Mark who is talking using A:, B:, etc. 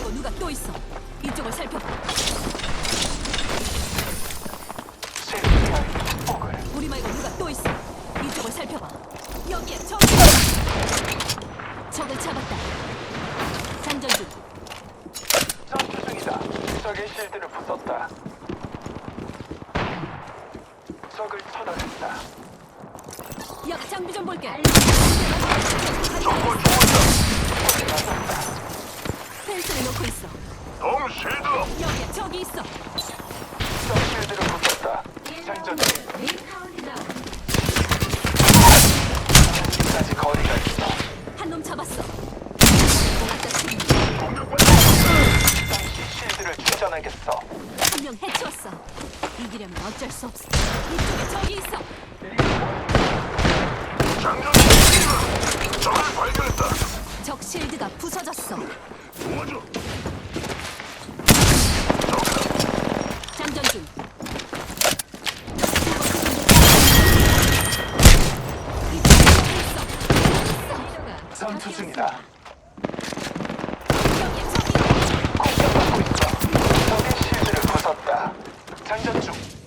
A: 말고 누가 또 있어. 이쪽을 살펴봐. 우리 말고 누가 또 있어. 이쪽을 살펴봐. 여기에 적. 적을 잡았다. 장전 중.
B: 전투 중이다. 적의 실드를 부쉈다. 적을 처단했다.
A: 야, 장비 좀 볼게.
C: 정보 주문다.
A: 펜스를 놓고 있어.
C: 동 실드.
A: 여기에 적이 있어.
B: 적 실드를 부쉈다. 장전 중. 아직까지 거리가 있어.
A: 한 놈 잡았어. 아까 팀.
B: 잠시 실드를 충전하겠어.
A: 한 명 해치웠어. 이기려면 어쩔 수 없어. 이쪽에 적이 있어.
C: 장전 중. 적을 발견했다.
A: 적 실드가 부서졌어.
C: 도와줘.
A: 장전 중.
B: 전투 중이다.
A: 여기에 적이
B: 공격받고 있어. 적의 실드를 부쉈다. 장전 중.